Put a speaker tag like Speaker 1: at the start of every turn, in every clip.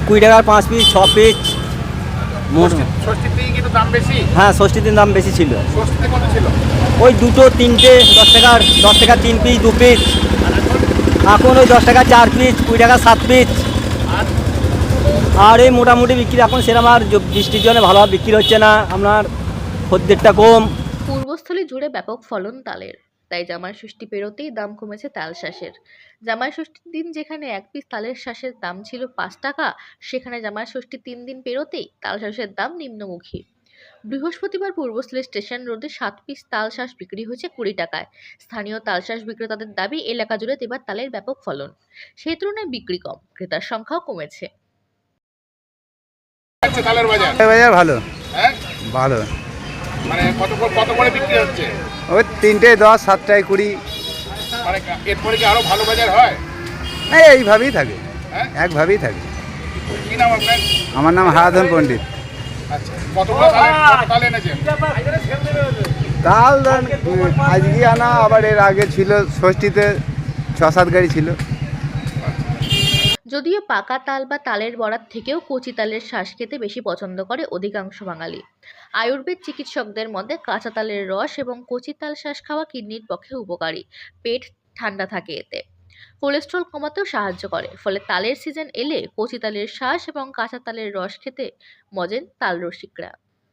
Speaker 1: 20 টাকার 5 piece 6 piece মোট।
Speaker 2: ষষ্ঠীর দিকে কিন্তু দাম বেশি।
Speaker 1: হ্যাঁ, ষষ্ঠীর দিন দাম বেশি ছিল।
Speaker 2: ষষ্ঠীতে কত ছিল?
Speaker 1: ওই 2টো 3টে 10 টাকা 3 পিস 2 পিস। এখন ওই 10 টাকা 4 পিস, 20 টাকা 7 পিস।
Speaker 2: আর
Speaker 1: আর এই মোটামুটি বিক্রি এখন সেরকম আর বৃষ্টির জন্য ভালোভাবে বিক্রি হচ্ছে না, আপনার খদ্দেরটা কম।
Speaker 3: পূর্বস্থলী জুড়ে ব্যাপক ফলন তালের, তাই জামাই ষষ্ঠী পেরোতেই দাম কমেছে তাল শাঁসের। জামাই ষষ্ঠীর দিন যেখানে এক পিস তালের শাঁসের দাম ছিল 5 টাকা, সেখানে জামাই ষষ্ঠীর 3 দিন পেরোতেই তাল শাঁসের দাম নিম্নমুখী। বৃহস্পতিবার পূর্বস্থলী স্টেশন রোডে 7 পিস তাল শাঁস বিক্রি হয়েছে 20 টাকায়। স্থানীয় তাল শাঁস বিক্রেতাদের দাবি, এলাকা জুড়ে এবার তালের ব্যাপক ফলন, সেই তুলনায় বিক্রি কম, ক্রেতার সংখ্যাও কমেছে।
Speaker 2: আচ্ছা, তালের বাজার
Speaker 4: বাজার ভালো,
Speaker 2: হ্যাঁ,
Speaker 4: ভালো।
Speaker 2: মানে কত করে বিক্রি হচ্ছে?
Speaker 4: ওই 3টে 10, 7টায় 20।
Speaker 2: মানে এরপরে কি আরো ভালো বাজার হয়?
Speaker 4: এইভাবেই থাকে,
Speaker 2: হ্যাঁ,
Speaker 4: একভাবেই থাকে।
Speaker 2: কি নাম আপনার?
Speaker 4: আমার নাম হারাধন পণ্ডিত।
Speaker 2: আচ্ছা, কতগুলো তাল এনেছেন?
Speaker 4: তাল আজকে আনা, আবার এর আগে ছিল ষষ্ঠীতে 6-7 গাড়ি ছিল।
Speaker 3: যদিও পাকা তাল বা তালের বড়ার থেকেও কচি তালের শাঁস খেতে বেশি পছন্দ করে অধিকাংশ বাঙালি। আয়ুর্বেদ চিকিৎসকদের মতে কাঁচা তালের রস এবং কচি তাল শাঁস খাওয়া কিডনির পক্ষে উপকারী, পেট ঠান্ডা থাকে এতে, কোলেস্ট্রল কমাতেও সাহায্য করে। ফলে তালের সিজন এলে কচি তালের শাঁস এবং কাঁচা তালের রস খেতে মজেন তাল রসিকরা।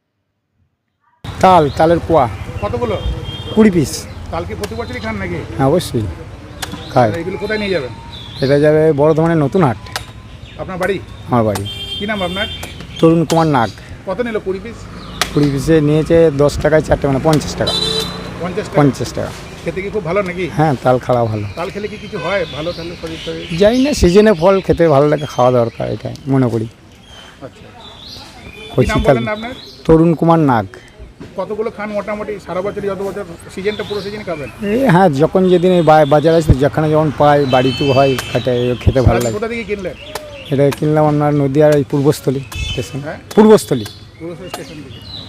Speaker 5: তালের পোয়া
Speaker 2: কতগুলো
Speaker 5: 20 পিস।
Speaker 2: তাল কি প্রতি বছরই খান নাকি?
Speaker 5: হ্যাঁ, অবশ্যই খাই।
Speaker 2: আর এগুলো কোথায় নিয়ে যাবেন?
Speaker 5: এটা যাবে বর্ধমানের নতুন হাট,
Speaker 2: আপনার বাড়ি?
Speaker 5: আমার বাড়ি।
Speaker 2: কি নাম আপনার?
Speaker 5: তরুণ কুমার নাগ।
Speaker 2: কত নিল 20 পিস?
Speaker 5: 20 পিসে নিয়েছে 10 টাকায় 4টে, মানে 50 টাকা।
Speaker 2: 50 টাকা।
Speaker 5: 50 টাকা।
Speaker 2: খেতে কি খুব ভালো নাকি?
Speaker 5: হ্যাঁ, তাল খাওয়া ভালো।
Speaker 2: তাল খেলে কি কিছু হয় ভালো? তাহলে শরীর টরীর?
Speaker 5: যাই না, সিজনে ফল খেতে ভালো লাগে, খাওয়া দরকার, এটাই মনে করি।
Speaker 2: আচ্ছা, কি
Speaker 5: কচি
Speaker 2: নাম
Speaker 5: তাল।
Speaker 2: বলেন আপনার?
Speaker 5: তরুণ কুমার নাগ।
Speaker 2: কতগুলো খান মোটামুটি সারা বছরই? যত বছর সিজনটা, পুরো সিজন খাবেন?
Speaker 5: হ্যাঁ, যখন যেদিন এই বাজার আসে, যেখানে যখন পাই, বাড়িতেও হয়, খেতে ভালো লাগে।
Speaker 2: কোথা থেকে কিনলেন?
Speaker 5: এটা কিনলাম আপনার নদীয়ার এই পূর্বস্থলী স্টেশন।
Speaker 2: হ্যাঁ,
Speaker 5: পূর্বস্থলী।
Speaker 2: পুরো স্টেশন থেকে।